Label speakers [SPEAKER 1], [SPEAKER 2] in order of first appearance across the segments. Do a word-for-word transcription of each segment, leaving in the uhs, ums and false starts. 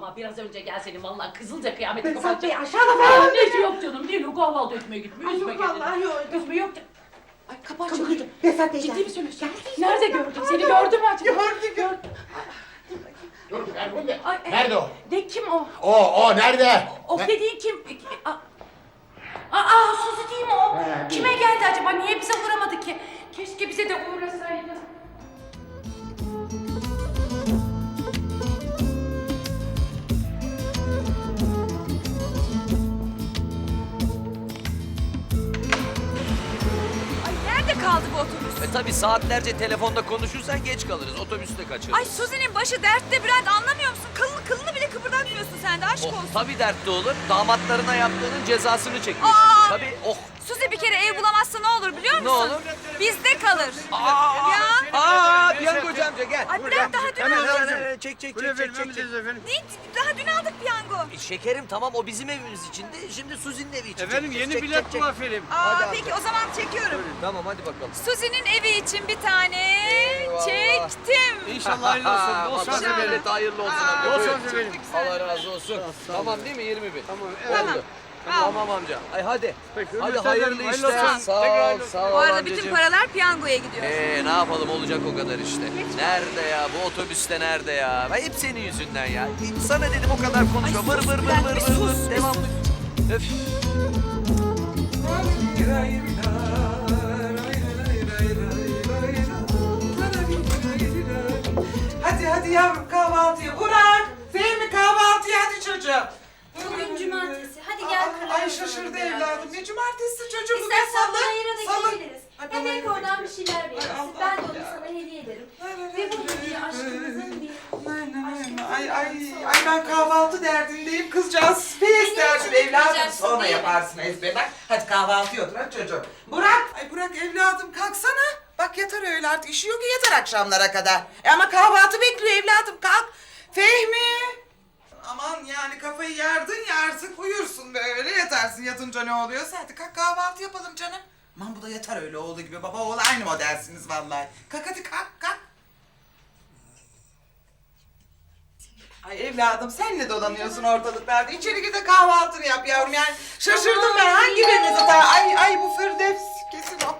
[SPEAKER 1] ama biraz önce gelsenin vallahi kızılca kıyameti
[SPEAKER 2] Behzat Bey
[SPEAKER 1] kapatacak.
[SPEAKER 2] aşağıda falan.
[SPEAKER 1] Annesi yok canım değil o kahvaltı etmeye gitmiyor.
[SPEAKER 2] Ay,
[SPEAKER 1] Üzme
[SPEAKER 2] yok
[SPEAKER 1] kendini.
[SPEAKER 2] vallahi yok.
[SPEAKER 1] Üzme yok. Ay kapı açıldı.
[SPEAKER 2] Kapı- Behzat Bey
[SPEAKER 1] Ciddi
[SPEAKER 2] geldi.
[SPEAKER 1] mi söylüyorsun?
[SPEAKER 2] Geldi işte.
[SPEAKER 1] Nerede gördün? Seni gördü mü acaba?
[SPEAKER 2] Gördü, gördü.
[SPEAKER 3] Dur Ferhunde.
[SPEAKER 1] Ay, e,
[SPEAKER 3] Nerede o?
[SPEAKER 1] Ne kim o?
[SPEAKER 3] O, o nerede?
[SPEAKER 1] O
[SPEAKER 3] Ne-
[SPEAKER 1] dediğin kim? Aa, aa Suzi değil mi o?
[SPEAKER 3] He,
[SPEAKER 1] Kime geldi acaba? Niye bize uğramadı ki? Keşke bize de uğrasaydı.
[SPEAKER 4] Ay nerede kaldı bu otobüs?
[SPEAKER 5] E tabi saatlerce telefonda konuşursan geç kalırız. Otobüste kaçırırız.
[SPEAKER 4] Ay Suzi'nin başı dertte Bülent, anlamıyor musun? Kılını kılını bile kıpırdatmıyorsun sen de, aşk
[SPEAKER 5] Oh,
[SPEAKER 4] olsun.
[SPEAKER 5] tabi dertli olur. Damatlarına yaptığının cezasını çekiyorsun.
[SPEAKER 4] Aa!
[SPEAKER 5] Tabi oh.
[SPEAKER 4] Suzi bir kere ev bulamazsa ne olur biliyor musun?
[SPEAKER 5] Ne olur?
[SPEAKER 4] Bizde kalır.
[SPEAKER 5] Aa,
[SPEAKER 4] Ya.
[SPEAKER 5] Aa, piyangocu amca gel.
[SPEAKER 4] Ay Bülent daha dün
[SPEAKER 5] Hemen,
[SPEAKER 4] aldık.
[SPEAKER 5] hemen, hemen, çek çek çek çek çek. çek.
[SPEAKER 4] Ne? Daha dün aldık piyango.
[SPEAKER 5] E, şekerim tamam o bizim evimiz içinde. Şimdi Suzi'nin evi için.
[SPEAKER 6] Efendim
[SPEAKER 5] çek,
[SPEAKER 6] yeni
[SPEAKER 5] çek,
[SPEAKER 6] bilet
[SPEAKER 5] çek, çek.
[SPEAKER 6] bu efendim.
[SPEAKER 4] Aa
[SPEAKER 5] Hadi
[SPEAKER 4] peki
[SPEAKER 5] amca.
[SPEAKER 4] o zaman çekiyorum.
[SPEAKER 5] Buyurun, tamam hadi bakalım.
[SPEAKER 4] Suzi'nin evi için bir tane
[SPEAKER 5] Eyvallah.
[SPEAKER 4] çektim.
[SPEAKER 6] İnşallah hayırlı olsun. Bol şans
[SPEAKER 5] Allah
[SPEAKER 6] efendim.
[SPEAKER 5] hayırlı olsun.
[SPEAKER 4] Aa,
[SPEAKER 5] amca,
[SPEAKER 6] bol
[SPEAKER 5] buyur.
[SPEAKER 6] şans efendim.
[SPEAKER 5] Allah razı olsun.
[SPEAKER 6] sağ ol.
[SPEAKER 5] Tamam değil mi yirmi bin?
[SPEAKER 6] Tamam,
[SPEAKER 4] Tamam.
[SPEAKER 5] Oldu.
[SPEAKER 4] Tamam.
[SPEAKER 5] Tamam amca. Ay hadi.
[SPEAKER 6] Peki,
[SPEAKER 5] Hadi
[SPEAKER 6] hürmetler
[SPEAKER 5] hayırlı
[SPEAKER 6] ederim,
[SPEAKER 5] işler.
[SPEAKER 6] hayırlı olsun.
[SPEAKER 5] Sağ ol,
[SPEAKER 6] Tekrar-
[SPEAKER 5] sağ ol
[SPEAKER 4] Bu arada bütün
[SPEAKER 5] amcacığım.
[SPEAKER 4] paralar piyangoya gidiyor.
[SPEAKER 5] Ee ne yapalım olacak o kadar işte. Nerede ya bu otobüste nerede ya? Ben hep senin yüzünden ya. Sana dedim o kadar konuşma.
[SPEAKER 4] Ay
[SPEAKER 5] Vır
[SPEAKER 4] sus
[SPEAKER 5] vır vır
[SPEAKER 4] Bülent,
[SPEAKER 5] vır
[SPEAKER 4] bir
[SPEAKER 5] vır
[SPEAKER 4] sus,
[SPEAKER 5] vır.
[SPEAKER 4] bir
[SPEAKER 5] Devamlı. Öf.
[SPEAKER 2] Hadi hadi yavrum kahvaltıya. Burak, Fehmi kahvaltıya hadi çocuğum.
[SPEAKER 7] Bugün cumartesi. Hadi gel
[SPEAKER 2] Aa,
[SPEAKER 7] karar
[SPEAKER 2] Ay şaşırdı evladım. Ne cumartesi çocuğum? Bugün
[SPEAKER 7] İstersen
[SPEAKER 2] salı.
[SPEAKER 7] bayıra da
[SPEAKER 2] Salı.
[SPEAKER 7] gidebiliriz.
[SPEAKER 2] Ay,
[SPEAKER 7] Hem
[SPEAKER 2] bana
[SPEAKER 7] belki
[SPEAKER 2] yürü.
[SPEAKER 7] oradan bir şeyler verirsin.
[SPEAKER 2] Allah
[SPEAKER 7] Ben de onu
[SPEAKER 2] ya.
[SPEAKER 7] sana hediye ederim.
[SPEAKER 2] Ay, ay,
[SPEAKER 7] Ve
[SPEAKER 2] ay,
[SPEAKER 7] bu bir
[SPEAKER 2] ay,
[SPEAKER 7] aşkımızın bir...
[SPEAKER 2] Ay ay ay ben kahvaltı derdindeyim kızcağız. Pes derdim evladım
[SPEAKER 7] yapmayacaksın,
[SPEAKER 2] sonra
[SPEAKER 7] değil mi?
[SPEAKER 2] yaparsın ezber bak. Hadi kahvaltıya otur hadi çocuğum. Burak. Ay Burak evladım kalksana. Bak yatar öyle artık işi yok ki yatar akşamlara kadar. E ama kahvaltı bekliyor evladım kalk. Fehmi. Aman yani kafayı yardın ya artık uyursun böyle yatarsın yatınca ne oluyorsa hadi kalk kahvaltı yapalım canım. Aman bu da yatar öyle oğlu gibi baba oğlu aynı modelsiniz vallahi. Kalk hadi kalk kalk. Ay evladım sen ne dolanıyorsun ortalıklarda? İçeri gir de kahvaltını yap yavrum yani. Şaşırdım ben hangi birinizi ta... Ay ay bu Firdevs kesin o.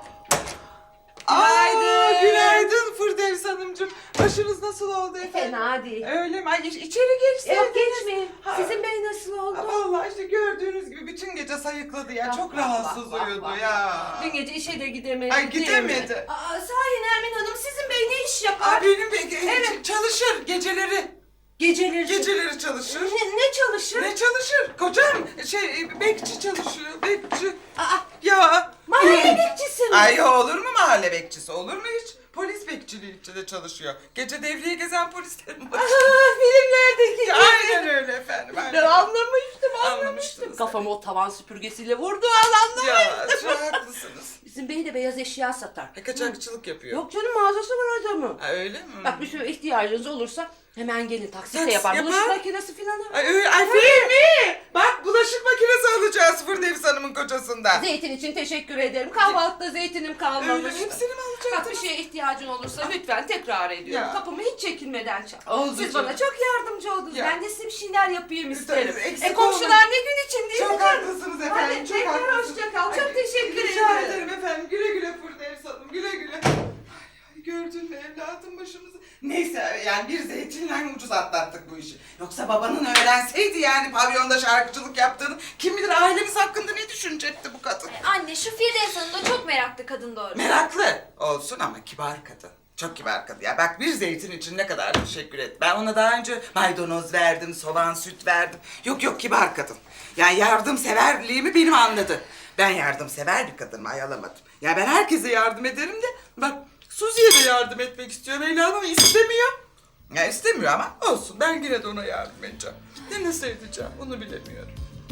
[SPEAKER 2] Günaydın. Aa, günaydın Firdevs Hanımcığım. Başınız nasıl oldu efendim?
[SPEAKER 8] Fena değil.
[SPEAKER 2] Öyle mi? Ay iç- içeri geçseydiniz.
[SPEAKER 8] Yok geçmeyin.
[SPEAKER 2] Ha.
[SPEAKER 8] Sizin bey nasıl oldu?
[SPEAKER 2] Ha, vallahi işte gördüğünüz gibi bütün gece sayıkladı ya.
[SPEAKER 8] Vah,
[SPEAKER 2] Çok
[SPEAKER 8] vah,
[SPEAKER 2] rahatsız
[SPEAKER 8] vah, vah,
[SPEAKER 2] uyudu
[SPEAKER 8] vah.
[SPEAKER 2] ya.
[SPEAKER 8] Dün gece işe de gidemedi.
[SPEAKER 2] Ay
[SPEAKER 8] değil mi?
[SPEAKER 2] gidemedi.
[SPEAKER 8] Aa, sahi Nermin Hanım sizin bey ne iş yapar?
[SPEAKER 2] Aa, benim be-
[SPEAKER 8] Evet.
[SPEAKER 2] çalışır geceleri.
[SPEAKER 8] Geceleri.
[SPEAKER 2] Geceleri çalışır.
[SPEAKER 8] Ne, ne çalışır?
[SPEAKER 2] Ne çalışır? Kocam şey bekçi çalışıyor. Bekçi.
[SPEAKER 8] Aa,
[SPEAKER 2] Ya.
[SPEAKER 8] mahalle bekçisi mi?
[SPEAKER 2] Ay olur mu mahalle bekçisi? Olur mu hiç? Polis bekçiliği içinde çalışıyor. Gece devriye gezen polislerin başı.
[SPEAKER 8] Aa, filmlerdeki gibi.
[SPEAKER 2] Aynen öyle efendim.
[SPEAKER 8] Ben
[SPEAKER 2] Aynen.
[SPEAKER 8] anlamıştım anlamıştım.
[SPEAKER 2] Anlamıştınız.
[SPEAKER 8] Kafamı o tavan süpürgesiyle vurdu anlamıştım.
[SPEAKER 2] Ya çok haklısınız.
[SPEAKER 8] Bizim bey de beyaz eşya satar.
[SPEAKER 2] E, kaçakçılık yapıyor.
[SPEAKER 8] Yok canım mağazası var adamın.
[SPEAKER 2] Ha, öyle mi?
[SPEAKER 8] Bak bir sürü ihtiyacınız olursa hemen gelin taksitle
[SPEAKER 2] Taksi
[SPEAKER 8] yapar.
[SPEAKER 2] yapar.
[SPEAKER 8] Bulaşık makinesi falan var.
[SPEAKER 2] Ay, öyle, ay Fehmi! Bak bulaşık makinesi alacağız Firdevs Hanım'ın kocasından.
[SPEAKER 8] Zeytin için teşekkür ederim. Kahvaltıda zeytinim kalmamış.
[SPEAKER 2] Öyle hepsini mi
[SPEAKER 8] Bak bir
[SPEAKER 2] alacaktınız?
[SPEAKER 8] şeye ihtiyacın olursa lütfen tekrar ediyorum.
[SPEAKER 2] Ya.
[SPEAKER 8] Kapımı hiç çekinmeden çal.
[SPEAKER 2] Oldu
[SPEAKER 8] Siz
[SPEAKER 2] canım.
[SPEAKER 8] bana çok yardımcı oldunuz.
[SPEAKER 2] Ya.
[SPEAKER 8] Ben de size bir şeyler yapayım isterim.
[SPEAKER 2] Tabii, eksik
[SPEAKER 8] E komşular ne gün için değil mi
[SPEAKER 2] Çok
[SPEAKER 8] canım?
[SPEAKER 2] haklısınız efendim.
[SPEAKER 8] Hadi
[SPEAKER 2] çok
[SPEAKER 8] tekrar
[SPEAKER 2] haklısınız.
[SPEAKER 8] hoşça kal. Çok
[SPEAKER 2] Ay,
[SPEAKER 8] teşekkür
[SPEAKER 2] rica
[SPEAKER 8] ederim.
[SPEAKER 2] ederim efendim. Güle güle Firdevs Hanım. Güle güle. Ay, ay, gördün mü evladım başımızı? Neyse yani bir zeytinle ucuz atlattık bu işi. Yoksa babanın öğrenseydi yani pavyonda şarkıcılık yaptığını kim bilir ailemiz hakkında ne düşünecekti bu kadın.
[SPEAKER 7] Anne şu Firdevs Hanım da çok meraklı kadın doğru.
[SPEAKER 2] Meraklı olsun ama kibar kadın. Çok kibar kadın ya. Bak bir zeytin için ne kadar teşekkür et. Ben ona daha önce maydanoz verdim, soğan, süt verdim. Yok yok kibar kadın. Yani yardımseverliğimi benim anladı. Ben yardımsever bir kadınım, ayalamadım. Ya ben herkese yardım ederim de bak Suzi'ye de yardım etmek istiyor Mevlana ama istemiyor. Ya istemiyor ama olsun ben yine de ona yardım edeceğim. Ne nasıl edeceğim onu bilemiyorum.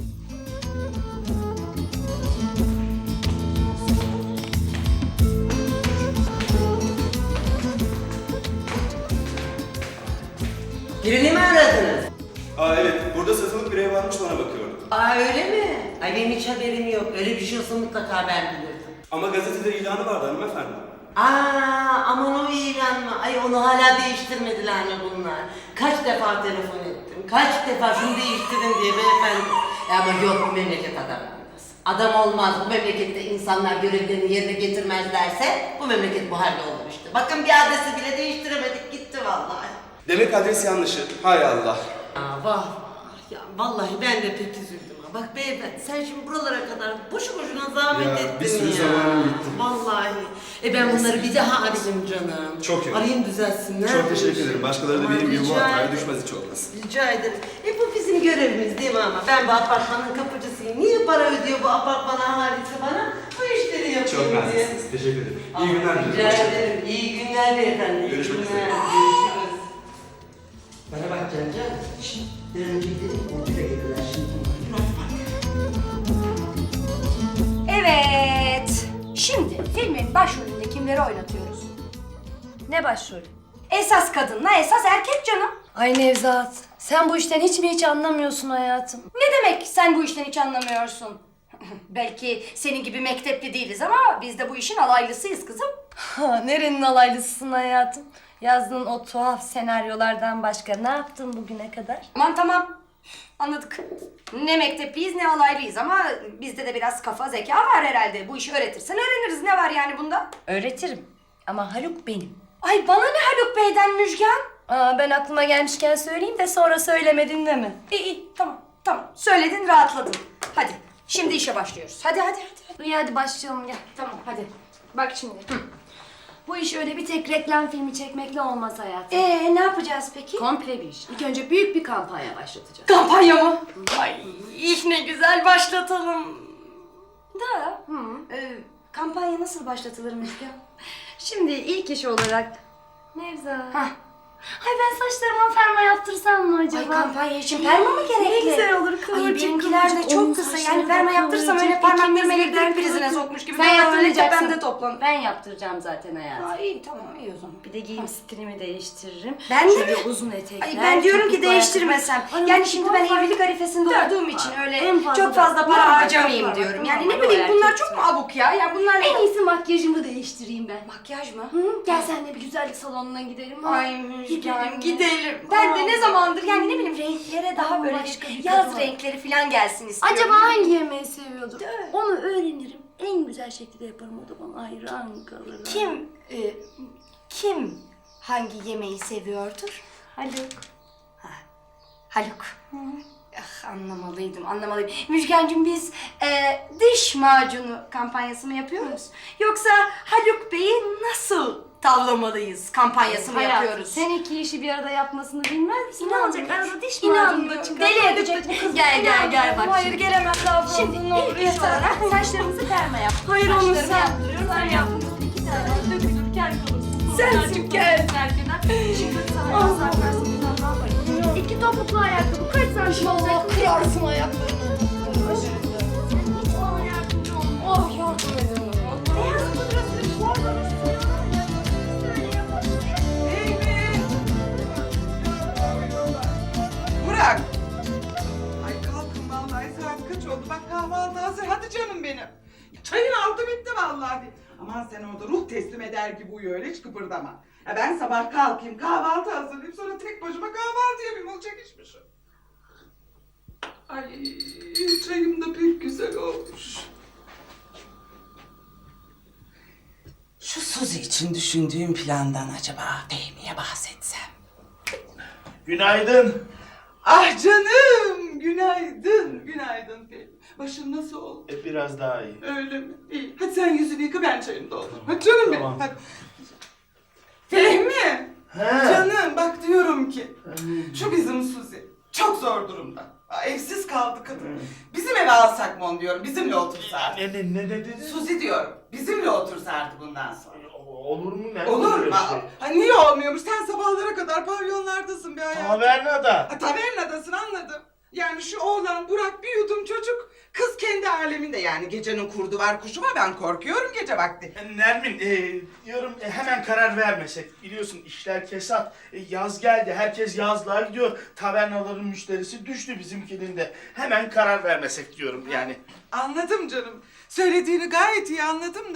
[SPEAKER 9] Birini mi aradınız?
[SPEAKER 6] Aa evet, burada satılık bir ev varmış bana bakıyordum.
[SPEAKER 9] Aa öyle mi? Ay benim hiç haberim yok. Öyle bir şey olsa mutlaka ben bilirdim.
[SPEAKER 6] Ama gazetede ilanı vardı hanımefendi.
[SPEAKER 9] Aa, aman o ilan mı? Ay onu hala değiştirmediler mi bunlar? Kaç defa telefon ettim, kaç defa şunu değiştirin diye beyefendi. Ya ama yok, bu memleket adam olmaz. Adam olmaz, bu memlekette insanlar görevlerini yerine getirmezlerse bu memleket bu halde olur işte. Bakın bir adresi bile değiştiremedik, gitti vallahi.
[SPEAKER 6] Demek adres yanlışı. Hay Allah.
[SPEAKER 9] Aa, vah vah ya, vallahi ben de pek üzüldüm ha. Bak beyefendi, sen şimdi buralara kadar boşu boşuna zahmet
[SPEAKER 6] Ya,
[SPEAKER 9] ettin
[SPEAKER 6] bir sürü
[SPEAKER 9] ya.
[SPEAKER 6] zamanım gitti.
[SPEAKER 9] Vallahi. E ben bunları bir daha arayayım canım.
[SPEAKER 6] Çok iyi.
[SPEAKER 9] Arayayım düzelsinler.
[SPEAKER 6] Çok teşekkür ederim. Başkaları da
[SPEAKER 9] Aman,
[SPEAKER 6] benim gibi bu
[SPEAKER 9] rica
[SPEAKER 6] hataya
[SPEAKER 9] ederim.
[SPEAKER 6] düşmez hiç olmaz.
[SPEAKER 9] Rica ederim. E bu bizim görevimiz değil mi ama? Ben bu apartmanın kapıcısıyım. Niye para ödüyor bu apartman ahalisi bana? Bu işleri yapayım
[SPEAKER 6] Çok
[SPEAKER 9] diye.
[SPEAKER 6] naziksiniz. Teşekkür ederim. İyi günler
[SPEAKER 9] Rica
[SPEAKER 6] diliyorum. Hoşça kalın.
[SPEAKER 9] ederim. İyi günler beyefendi. İyi
[SPEAKER 6] Görüşmek
[SPEAKER 9] günler.
[SPEAKER 6] üzere.
[SPEAKER 9] Görüşürüz. Bana bak Cancan. Şşt, bir an önce gidelim. Orcu da gelirler şimdi.
[SPEAKER 1] Evet. Şimdi filmin başrolünde kimleri oynatıyoruz?
[SPEAKER 4] Ne başrolü?
[SPEAKER 1] Esas kadınla esas erkek canım.
[SPEAKER 4] Ay Nevzat, sen bu işten hiç mi hiç anlamıyorsun hayatım?
[SPEAKER 1] Ne demek sen bu işten hiç anlamıyorsun? Belki senin gibi mektepli değiliz ama biz de bu işin alaylısıyız kızım.
[SPEAKER 4] Ha, nerenin alaylısısın hayatım? Yazdığın o tuhaf senaryolardan başka ne yaptın bugüne kadar?
[SPEAKER 1] Aman tamam. Anladık. Ne mektepliyiz ne alaylıyız ama bizde de biraz kafa zeka var herhalde. Bu işi öğretirsen öğreniriz. Ne var yani bunda?
[SPEAKER 4] Öğretirim. Ama Haluk benim.
[SPEAKER 1] Ay bana ne Haluk Bey'den Müjgan?
[SPEAKER 4] Aa, ben aklıma gelmişken söyleyeyim de sonra söylemedin değil mi?
[SPEAKER 1] İyi iyi tamam tamam. Söyledin rahatladın. Hadi şimdi işe başlıyoruz. Hadi hadi hadi.
[SPEAKER 4] İyi hadi başlayalım gel.
[SPEAKER 1] Tamam hadi. Bak şimdi. Hı.
[SPEAKER 4] Bu iş öyle bir tek reklam filmi çekmekle olmaz hayatım.
[SPEAKER 1] Ee ne yapacağız peki?
[SPEAKER 4] Komple bir iş. İlk önce büyük bir kampanya başlatacağız.
[SPEAKER 1] Kampanya mı? Ay ne güzel başlatalım. Da
[SPEAKER 4] Hı.
[SPEAKER 1] e, kampanya nasıl başlatılır Müjgan?
[SPEAKER 4] Şimdi ilk iş olarak Nevzat.
[SPEAKER 1] Hah.
[SPEAKER 4] Ay ben saçlarıma ferma yaptırsam mı acaba?
[SPEAKER 1] Ay kampanya için perma mı gerekli?
[SPEAKER 4] Ne güzel olur
[SPEAKER 1] Ay
[SPEAKER 4] kıvırcık
[SPEAKER 1] benimkiler de
[SPEAKER 4] kıvırcık.
[SPEAKER 1] çok
[SPEAKER 4] Onun
[SPEAKER 1] kısa
[SPEAKER 4] saçları
[SPEAKER 1] yani
[SPEAKER 4] da
[SPEAKER 1] perma yaptırsam öyle
[SPEAKER 4] kıvırcık.
[SPEAKER 1] parmaklarımı
[SPEAKER 4] İkimiz
[SPEAKER 1] elektrik
[SPEAKER 4] birden
[SPEAKER 1] prizine
[SPEAKER 4] kıvırcık.
[SPEAKER 1] sokmuş gibi.
[SPEAKER 4] Sen
[SPEAKER 1] Ben öyle
[SPEAKER 4] yaptıracaksın.
[SPEAKER 1] tepemde toplanır.
[SPEAKER 4] Ben yaptıracağım zaten hayatım.
[SPEAKER 1] Aa, iyi tamam iyi o zaman.
[SPEAKER 4] Bir de giyim stilimi değiştiririm.
[SPEAKER 1] Ben de
[SPEAKER 4] Şöyle
[SPEAKER 1] mi?
[SPEAKER 4] uzun etekler.
[SPEAKER 1] Ay ben diyorum ki
[SPEAKER 4] topuklu
[SPEAKER 1] değiştirmesem.
[SPEAKER 4] ayakkabı.
[SPEAKER 1] Yani
[SPEAKER 4] Ay,
[SPEAKER 1] şimdi ben
[SPEAKER 4] çok
[SPEAKER 1] evlilik arifesinde
[SPEAKER 4] Dört.
[SPEAKER 1] olduğum için öyle
[SPEAKER 4] En fazla
[SPEAKER 1] çok fazla
[SPEAKER 4] dört.
[SPEAKER 1] para
[SPEAKER 4] Normal,
[SPEAKER 1] harcamayayım
[SPEAKER 4] normal,
[SPEAKER 1] diyorum.
[SPEAKER 4] normal.
[SPEAKER 1] Yani ne
[SPEAKER 4] O
[SPEAKER 1] bileyim bunlar
[SPEAKER 4] erkek
[SPEAKER 1] çok mu
[SPEAKER 4] tipi.
[SPEAKER 1] abuk ya? Ya bunlar
[SPEAKER 4] En iyisi makyajımı değiştireyim ben.
[SPEAKER 1] makyaj mı?
[SPEAKER 4] Hı, gel senle bir güzellik salonuna gidelim. ha?
[SPEAKER 1] Ay Müjgan
[SPEAKER 4] Gidelim.
[SPEAKER 1] gidelim. Ben de
[SPEAKER 4] Aa.
[SPEAKER 1] ne zamandır yani ne bileyim renklere daha
[SPEAKER 4] Aa,
[SPEAKER 1] böyle
[SPEAKER 4] başka bir
[SPEAKER 1] yaz
[SPEAKER 4] kadın.
[SPEAKER 1] renkleri falan gelsin istiyorum.
[SPEAKER 4] Acaba hangi yemeği seviyordur? Onu öğrenirim. En güzel şekilde yaparım, o da bana hayran kalır.
[SPEAKER 1] Kim e, kim hangi yemeği seviyordur?
[SPEAKER 4] Haluk.
[SPEAKER 1] Haluk. Ah, anlamalıydım, anlamalıydım. Müjgancığım biz e, diş macunu kampanyası mı yapıyoruz? Yoksa Haluk Bey'i nasıl tavlamalıyız kampanyası mı
[SPEAKER 4] Hayatım,
[SPEAKER 1] yapıyoruz?
[SPEAKER 4] sen iki işi bir arada yapmasını bilmez misin? Ne
[SPEAKER 1] İnanmıyorum.
[SPEAKER 4] olacak? Arada diş
[SPEAKER 1] İnanmıyorum.
[SPEAKER 4] macunu çıkar.
[SPEAKER 1] Deli edecek bu kız. Gel gel gel bak
[SPEAKER 4] Hayır
[SPEAKER 1] şimdi.
[SPEAKER 4] gelemem daha fazla.
[SPEAKER 1] Şimdi
[SPEAKER 4] ne olur
[SPEAKER 1] ilk iş olarak
[SPEAKER 4] saçlarımızı perma yap.
[SPEAKER 1] Hayır, onu
[SPEAKER 4] Saçlarımı
[SPEAKER 1] sen-
[SPEAKER 4] yaptırıyorum, sen yaptın. İki tane dökülürken kalırsın.
[SPEAKER 1] Sensin, gel.
[SPEAKER 4] Şimdi sana yasak versin. Ne yapayım? İki topuklu ayakkabı kaç santim olacak?
[SPEAKER 1] Kırarsın ayaklarını.
[SPEAKER 4] Hiç bana yardımcı olma.
[SPEAKER 1] Oh yardım edin.
[SPEAKER 4] Beyaz pudra sürüp sormamışsın. Söyleye başlayayım.
[SPEAKER 2] Burak. Ay kalkın vallahi saat kaç oldu? Bak kahvaltı hazır. Hadi canım benim. Çayın altı bitti vallahi. Aman sen orada ruh teslim eder gibi uyu öyle hiç kıpırdama. Ya ben sabah kalkayım kahvaltı hazırlayayım sonra tek başıma kahvaltı yapayım olacak iş mi şu? Ay çayım da pek güzel olmuş. Şu Suzi için düşündüğüm plandan acaba Fehmi'ye bahsetsem?
[SPEAKER 3] Günaydın.
[SPEAKER 2] Ah canım, günaydın, günaydın Fehmi. Başın nasıl oldu?
[SPEAKER 3] E, biraz daha iyi.
[SPEAKER 2] Öyle mi? İyi. Hadi sen yüzünü yıka, ben çayını doldurayım. Hadi canım benim,
[SPEAKER 3] Tamam.
[SPEAKER 2] hadi. Fehmi,
[SPEAKER 3] He.
[SPEAKER 2] canım bak diyorum ki, şu bizim Suzi çok zor durumda. Aa, evsiz kaldı kadın. Bizim eve alsak mı onu diyorum, bizimle otursa artık.
[SPEAKER 3] Ne, ne, ne dedin?
[SPEAKER 2] Suzi diyorum, bizimle otursa artık bundan sonra.
[SPEAKER 3] Olur mu? Ne
[SPEAKER 2] Olur
[SPEAKER 3] öyle
[SPEAKER 2] mu?
[SPEAKER 3] şey?
[SPEAKER 2] Ha, niye olmuyormuş? Sen sabahlara kadar pavyonlardasın be hayatım.
[SPEAKER 3] Tavernada.
[SPEAKER 2] Ha, tavernadasın anladım. Yani şu oğlan Burak bir yudum çocuk. Kız kendi aleminde yani gecenin kurdu var kuşu var ben korkuyorum gece vakti.
[SPEAKER 3] E, Nermin, e, diyorum e, hemen karar vermesek. Biliyorsun işler kesat. E, yaz geldi, herkes yazlığa gidiyor. Tavernaların müşterisi düştü bizimkinin de. Hemen karar vermesek diyorum yani.
[SPEAKER 2] Anladım canım. Söylediğini gayet iyi anladım da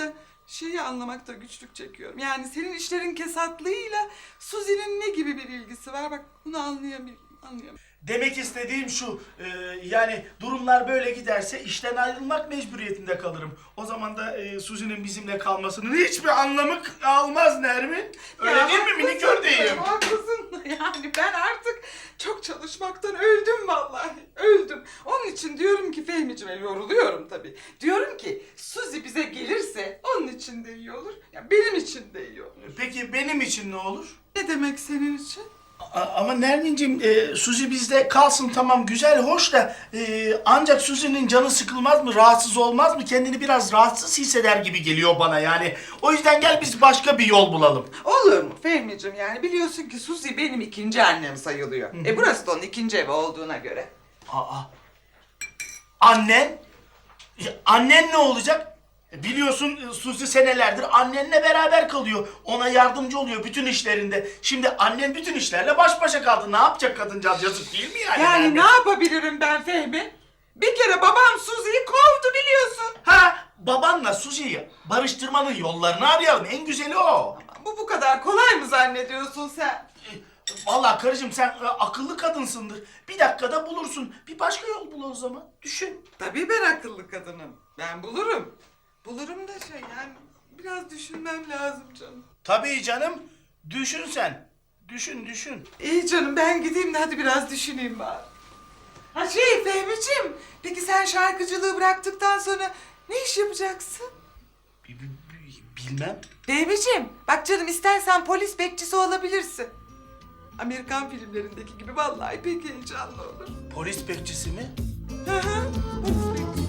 [SPEAKER 2] şeyi anlamakta güçlük çekiyorum. Yani senin işlerin kesatlığıyla Suzi'nin ne gibi bir ilgisi var? Bak bunu anlayamıyorum. Anlayamıyorum.
[SPEAKER 3] Demek istediğim şu, e, yani durumlar böyle giderse işten ayrılmak mecburiyetinde kalırım. O zaman da e, Suzi'nin bizimle kalmasının hiçbir anlamı almaz Nermin. Öyle
[SPEAKER 2] Ya
[SPEAKER 3] değil mi minik ördeğim?
[SPEAKER 2] Haklısın. Yani ben artık çok çalışmaktan öldüm vallahi. Öldüm. Onun için diyorum ki Fehmiciğime yoruluyorum tabii. Diyorum ki Suzi bize gelirse onun için de iyi olur. Ya benim için de iyi olur.
[SPEAKER 3] Peki benim için ne olur?
[SPEAKER 2] Ne demek senin için?
[SPEAKER 3] A- ama Nermin'cim e, Suzi bizde kalsın tamam güzel hoş da e, ancak Suzi'nin canı sıkılmaz mı, rahatsız olmaz mı? Kendini biraz rahatsız hisseder gibi geliyor bana yani. O yüzden gel biz başka bir yol bulalım.
[SPEAKER 2] Olur mu Fehmiciğim, yani biliyorsun ki Suzi benim ikinci annem sayılıyor. E burası da onun ikinci evi olduğuna göre.
[SPEAKER 3] Aa. Annen? Ya, annen ne olacak? E, Biliyorsun e, Suzi senelerdir annenle beraber kalıyor. Ona yardımcı oluyor bütün işlerinde. Şimdi annen bütün işlerle baş başa kaldı. Ne yapacak kadıncağız? Yazık değil mi yani?
[SPEAKER 2] Yani
[SPEAKER 3] Nermin?
[SPEAKER 2] ne yapabilirim ben Fehmi? Bir kere babam Suzi'yi kovdu biliyorsun.
[SPEAKER 3] Ha, babanla Suzi'yi barıştırmanın yollarını arayalım. En güzeli o.
[SPEAKER 2] Bu bu kadar kolay mı zannediyorsun sen?
[SPEAKER 3] E, Vallahi karıcığım sen e, akıllı kadınsındır. Bir dakikada bulursun. Bir başka yol bul o zaman. Düşün.
[SPEAKER 2] Tabii ben akıllı kadınım. Ben bulurum. Bulurum da şey yani biraz düşünmem lazım canım.
[SPEAKER 3] Tabii canım. Düşün sen. Düşün düşün.
[SPEAKER 2] İyi canım ben gideyim de hadi biraz düşüneyim bari. Ha şey Fehmi'ciğim, peki sen şarkıcılığı bıraktıktan sonra ne iş yapacaksın?
[SPEAKER 3] Bi- bi- bi- Bilmem.
[SPEAKER 2] Fehmi'ciğim bak canım istersen polis bekçisi olabilirsin. Amerikan filmlerindeki gibi vallahi pek heyecanlı olur.
[SPEAKER 3] Polis bekçisi mi?
[SPEAKER 2] Hı hı, polis bekçisi.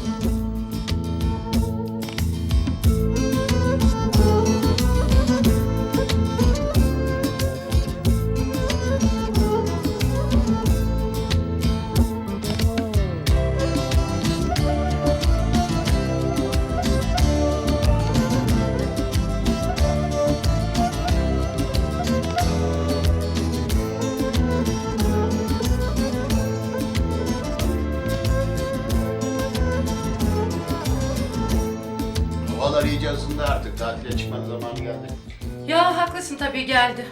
[SPEAKER 10] Havalar iyice ısındı artık. Tatile çıkmanın zamanı geldi.
[SPEAKER 8] Ya haklısın tabii geldi.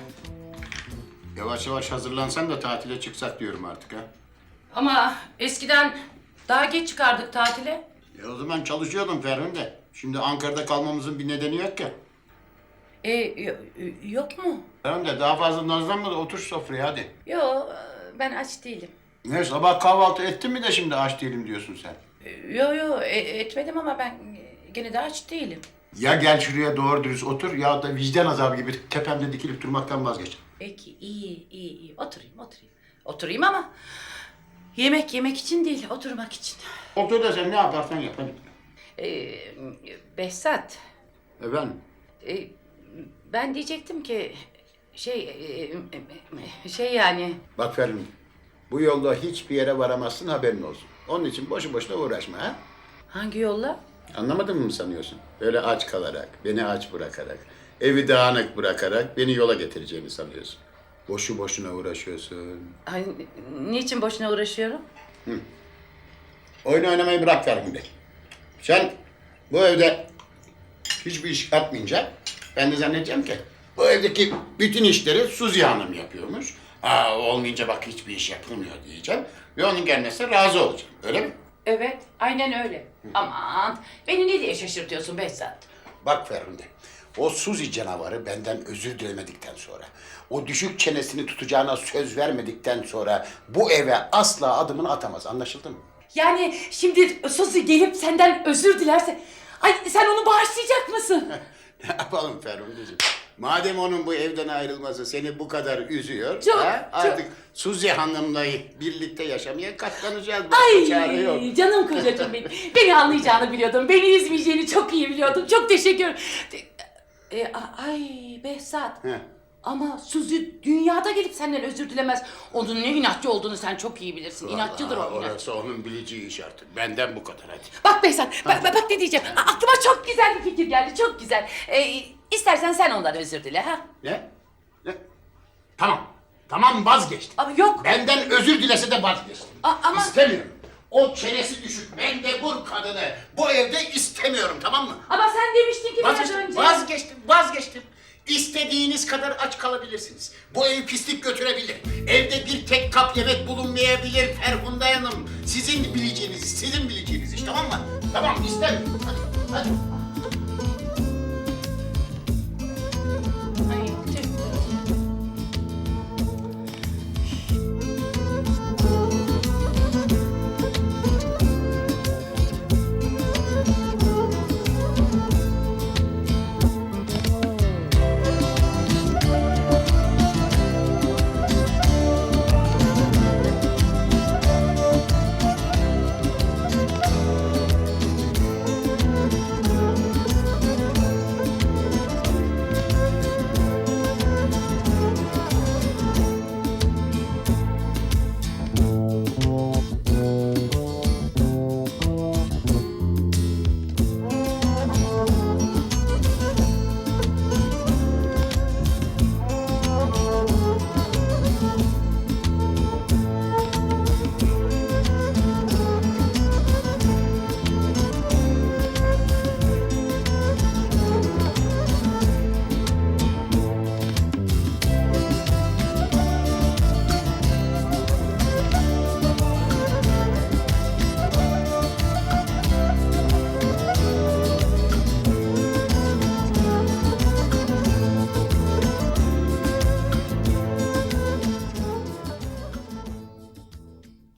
[SPEAKER 10] Yavaş yavaş hazırlansan da tatile çıksak diyorum artık ha.
[SPEAKER 8] Ama eskiden daha geç çıkardık tatile.
[SPEAKER 10] E o zaman çalışıyordum Ferhunde. Şimdi Ankara'da kalmamızın bir nedeni yok ya.
[SPEAKER 8] E, yo- yok mu?
[SPEAKER 10] Ferhunde daha fazla nazlanma da otur sofraya hadi.
[SPEAKER 8] Yo, ben aç değilim.
[SPEAKER 10] Ne sabah kahvaltı ettin mi de şimdi aç değilim diyorsun sen.
[SPEAKER 8] Yo yo e- etmedim ama ben gene de aç değilim.
[SPEAKER 10] Ya gel şuraya doğru dürüst otur ya da vicdan azabı gibi tepemde dikilip durmaktan vazgeç.
[SPEAKER 8] Peki iyi iyi iyi oturayım oturayım. Oturayım ama yemek yemek için değil oturmak için.
[SPEAKER 10] Otur da sen ne yaparsan yap hadi.
[SPEAKER 8] Ee, Behzat,
[SPEAKER 10] Efendim?
[SPEAKER 8] e, ben diyecektim ki şey e, şey yani
[SPEAKER 10] Bak Ferhunde, bu yolda hiçbir yere varamazsın haberin olsun. Onun için boşu boşuna uğraşma ha.
[SPEAKER 8] hangi yolla?
[SPEAKER 10] Anlamadın mı sanıyorsun? Öyle aç kalarak, beni aç bırakarak, evi dağınık bırakarak beni yola getireceğini sanıyorsun. Boşu boşuna uğraşıyorsun.
[SPEAKER 8] Ay, niçin boşuna uğraşıyorum?
[SPEAKER 10] Oyun oynamayı bırak Ferhunde. Sen bu evde hiçbir iş yapmayınca ben de zannedeceğim ki bu evdeki bütün işleri Suzi Hanım yapıyormuş. Aa, olmayınca bak hiçbir iş yapılmıyor diyeceğim ve onun gelmesine razı olacağım. Öyle mi?
[SPEAKER 8] Evet, aynen öyle. Aman, beni ne diye şaşırtıyorsun Behzat?
[SPEAKER 10] Bak Ferhunde, o Suzi canavarı benden özür dilemedikten sonra, o düşük çenesini tutacağına söz vermedikten sonra bu eve asla adımını atamaz. Anlaşıldı mı?
[SPEAKER 8] Yani şimdi Suzi gelip senden özür dilerse... Ay sen onu bağışlayacak mısın?
[SPEAKER 10] Ne yapalım Ferhunde'ciğim? Madem onun bu evden ayrılması seni bu kadar üzüyor,
[SPEAKER 8] Çok,
[SPEAKER 10] ha,
[SPEAKER 8] çok.
[SPEAKER 10] artık Suzi Hanım'la birlikte yaşamaya katlanacağız. Başka çare yok.
[SPEAKER 8] Ay canım kocacığım benim. Beni anlayacağını biliyordum. Beni üzmeyeceğini çok iyi biliyordum. Çok teşekkür ederim. E, a- ay Behzat.
[SPEAKER 10] Heh.
[SPEAKER 8] Ama Suzi dünyada gelip senden özür dilemez. Onun ne inatçı olduğunu sen çok iyi bilirsin. İnatçıdır o
[SPEAKER 10] Vallahi
[SPEAKER 8] inatçı.
[SPEAKER 10] orası onun bileceği iş artık. Benden bu kadar hadi.
[SPEAKER 8] Bak Behzat, bak, bak, bak ne diyeceğim. A- aklıma çok güzel bir fikir geldi, çok güzel. Ee, istersen sen ondan özür dile ha.
[SPEAKER 10] Ne? Ne? Tamam. Tamam vazgeçtim.
[SPEAKER 8] Ama yok.
[SPEAKER 10] Benden özür dilese de vazgeçtim.
[SPEAKER 8] A- ama-
[SPEAKER 10] İstemiyorum. O çenesi düşük mendebur kadını bu evde istemiyorum, tamam mı?
[SPEAKER 8] Ama sen demiştin ki biraz
[SPEAKER 10] Vazgeçtim,
[SPEAKER 8] önce.
[SPEAKER 10] vazgeçtim, vazgeçtim. İstediğiniz kadar aç kalabilirsiniz. Bu ev pislik götürebilir. Evde bir tek kap yemek bulunmayabilir Ferhunde Hanım. Sizin bileceğiniz, sizin bileceğiniz iş, tamam mı? Tamam, istemiyorum. Hadi, hadi.